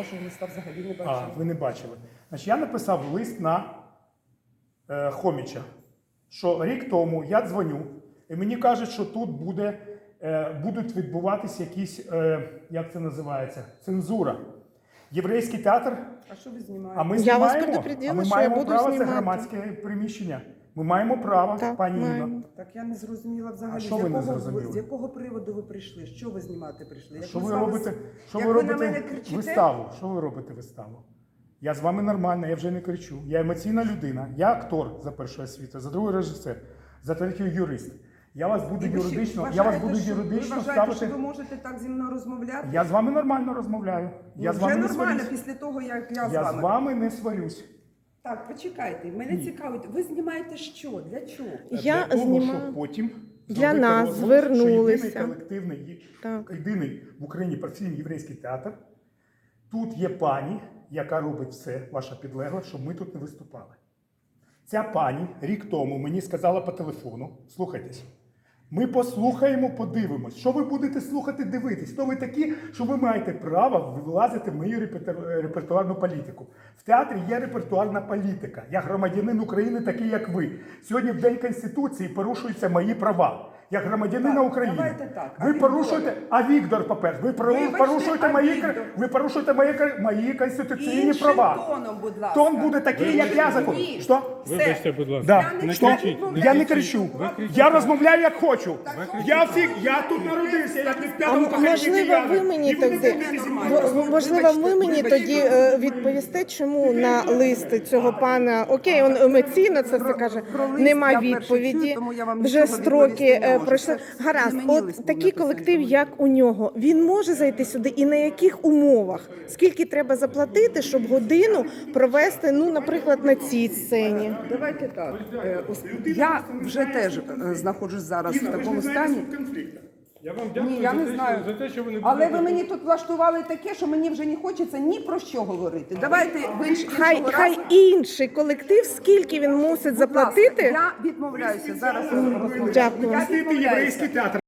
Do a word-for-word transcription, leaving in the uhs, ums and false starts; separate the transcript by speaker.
Speaker 1: вашого листа взагалі не
Speaker 2: А,
Speaker 1: бачила.
Speaker 2: ви не бачили. Значить, я написав лист на е, Хоміча, що рік тому я дзвоню, і мені кажуть, що тут буде, е, будуть відбуватися якісь, е, як це називається, цензура. Єврейський театр,
Speaker 1: А що ви знімаєте?
Speaker 2: а ми
Speaker 3: Я вас
Speaker 2: знімаємо,
Speaker 3: предупредила,
Speaker 2: а ми
Speaker 3: що
Speaker 2: маємо
Speaker 3: я буду
Speaker 2: право,
Speaker 3: знімати.
Speaker 2: це громадське приміщення. Ми маємо право,
Speaker 3: Так,
Speaker 2: пані
Speaker 3: маємо.
Speaker 2: Інно.
Speaker 1: Так я не зрозуміла взагалі,
Speaker 2: А що
Speaker 1: з,
Speaker 2: ви не
Speaker 1: якого,
Speaker 2: зрозуміли?
Speaker 1: з якого приводу ви прийшли? Що ви знімати прийшли? Як
Speaker 2: Що
Speaker 1: ми
Speaker 2: ви
Speaker 1: з вами
Speaker 2: робите,
Speaker 1: с-
Speaker 2: що
Speaker 1: як
Speaker 2: ви
Speaker 1: ви на
Speaker 2: робите
Speaker 1: мене кричите?
Speaker 2: виставу? Що ви робите виставу? Я з вами нормально, я вже не кричу. Я емоційна людина. Я актор за першою освітою, за другою режисер, за третьою юрист. Я вас буду
Speaker 1: І ви ще
Speaker 2: юридично, я
Speaker 1: вважаєте,
Speaker 2: вас буду
Speaker 1: що-
Speaker 2: юридично
Speaker 1: ви вважаєте,
Speaker 2: ставити.
Speaker 1: що ви можете так зі мною розмовляти?
Speaker 2: Я з вами нормально розмовляю. Я
Speaker 1: Ну,
Speaker 2: з вами
Speaker 1: вже
Speaker 2: не
Speaker 1: нормально
Speaker 2: сварюсь.
Speaker 1: після того, як я, з
Speaker 2: Я
Speaker 1: вами.
Speaker 2: з вами не сварюсь.
Speaker 1: Так, почекайте, мене цікавить, ви знімаєте що? Для чого?
Speaker 3: Я
Speaker 2: для того,
Speaker 3: знімаю.
Speaker 2: щоб потім
Speaker 3: Для
Speaker 2: зробити
Speaker 3: нас
Speaker 2: розголос,
Speaker 3: звернулися.
Speaker 2: Що єдиний колективний,
Speaker 3: Так.
Speaker 2: єдиний в Україні професійний єврейський театр. Тут є пані, яка робить все, ваша підлегла, щоб ми тут не виступали. Ця пані рік тому мені сказала по телефону, слухайтесь, ми послухаємо, подивимось. Що ви будете слухати, дивитись? Хто ви такі, що ви маєте право влазити в мою реперту- репертуарну політику? В театрі є репертуарна політика. Я громадянин України, такий як ви. Сьогодні в День Конституції порушуються мої права. Як громадянина
Speaker 1: Так,
Speaker 2: України.
Speaker 1: давайте так. А
Speaker 2: Ви
Speaker 1: Віктор?
Speaker 2: порушуєте, а Віктор, по-перше, ви пору-
Speaker 1: Вибачте,
Speaker 2: порушуєте
Speaker 1: а
Speaker 2: мої,
Speaker 1: Віктор?
Speaker 2: ви порушуєте мої, мої конституційні
Speaker 1: Іншим
Speaker 2: права.
Speaker 1: тоном, будь ласка.
Speaker 2: Тон буде такий, як я закон.
Speaker 1: Ні.
Speaker 2: Що?
Speaker 1: Все.
Speaker 4: Вибачте, будь ласка.
Speaker 2: Да.
Speaker 1: Я не
Speaker 2: Що?
Speaker 4: кричіть, не
Speaker 2: Я не
Speaker 4: кричіть.
Speaker 2: кричу.
Speaker 4: Ви кричите.
Speaker 2: Я розмовляю як хочу.
Speaker 1: кричіть.
Speaker 2: Я всі, я тут народився, я від
Speaker 3: А
Speaker 2: п'ятого покоління
Speaker 3: можливо, ви
Speaker 2: киянин.
Speaker 3: мені
Speaker 2: І ви не
Speaker 3: тоді
Speaker 2: будете зі мною
Speaker 3: в-
Speaker 2: розмовляти.
Speaker 3: можливо, ви
Speaker 1: Вибачте,
Speaker 3: мені
Speaker 1: вибачте.
Speaker 3: тоді е, відповісте, чому на лист цього пана, окей, він емоційно це все каже,
Speaker 1: про лист
Speaker 3: нема
Speaker 1: я вперше
Speaker 3: відповіді.
Speaker 1: чую, тому я вам
Speaker 3: Вже
Speaker 1: нічого
Speaker 3: строки
Speaker 1: відповісти не
Speaker 3: е,
Speaker 1: можу.
Speaker 3: пройшли.
Speaker 1: Це
Speaker 3: Гаразд,
Speaker 1: не мені лист
Speaker 3: от
Speaker 1: був
Speaker 3: такий
Speaker 1: написаний,
Speaker 3: колектив,
Speaker 1: тому-
Speaker 3: як у нього, він може зайти сюди і на яких умовах? Скільки треба заплатити, щоб годину провести, ну, наприклад, на цій сцені?
Speaker 1: Давайте так. Е, ось Я вже теж е, знаходжусь зараз в
Speaker 2: Інна, ви ж
Speaker 1: такому
Speaker 2: не знаєте
Speaker 1: стані.
Speaker 2: суть конфлікту.
Speaker 4: Я вам дякую
Speaker 1: Ні, я
Speaker 4: за,
Speaker 1: не
Speaker 4: те,
Speaker 1: знаю.
Speaker 4: Що, за те, що ви не
Speaker 1: Але ви
Speaker 4: будете-
Speaker 1: мені тут влаштували таке, що мені вже не хочеться ні про що говорити. Давайте ви інш-
Speaker 3: Хай,
Speaker 1: іншого
Speaker 3: хай
Speaker 1: разу.
Speaker 3: інший колектив, скільки він мусить
Speaker 1: Будь ласка,
Speaker 3: заплатити?
Speaker 1: Я відмовляюся зараз розмовляти.
Speaker 3: Дякую.
Speaker 1: Я
Speaker 2: Простити
Speaker 1: відмовляюся.
Speaker 2: єврейський театр.